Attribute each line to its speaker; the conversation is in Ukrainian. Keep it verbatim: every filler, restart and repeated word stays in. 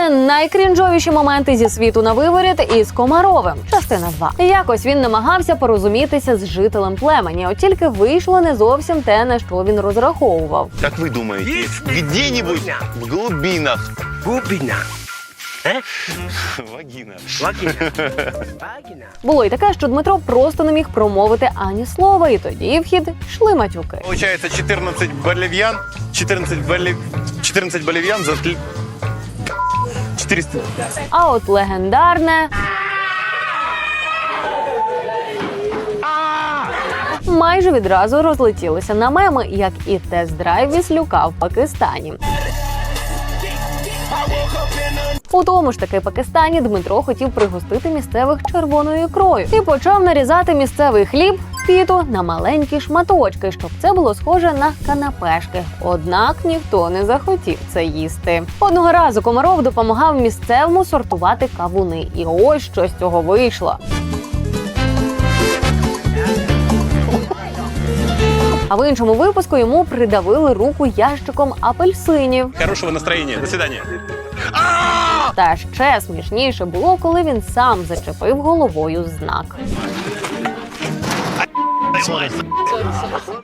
Speaker 1: Це найкрінжовіші моменти зі світу на виворіт із Комаровим. Частина два. Якось він намагався порозумітися з жителем племені, от тільки вийшло не зовсім те, на що він розраховував.
Speaker 2: Как вы думаете, где-нибудь в глубинах?
Speaker 3: Глубина. Е?
Speaker 2: Вагина.
Speaker 3: Вагина. Вагина.
Speaker 1: Було й таке, що Дмитро просто не міг промовити ані слова, і тоді в хід йшли матюки.
Speaker 2: Получается четырнадцать боливьян, четырнадцать болив... четырнадцать боливьян за тл- четыреста.
Speaker 1: А от легендарне майже відразу розлетілося на меми, як і тест-драйв Віслюка в Пакистані. У тому ж таки Пакистані Дмитро хотів пригостити місцевих червоною ікрою і почав нарізати місцевий хліб піту на маленькі шматочки, щоб це було схоже на канапешки. Однак ніхто не захотів це їсти. Одного разу Комаров допомагав місцевому сортувати кавуни. І ось що з цього вийшло. А в іншому випуску йому придавили руку ящиком апельсинів.
Speaker 2: Хорошего настроения. До свидания.
Speaker 1: Та ще смішніше було, коли він сам зачепив головою знак.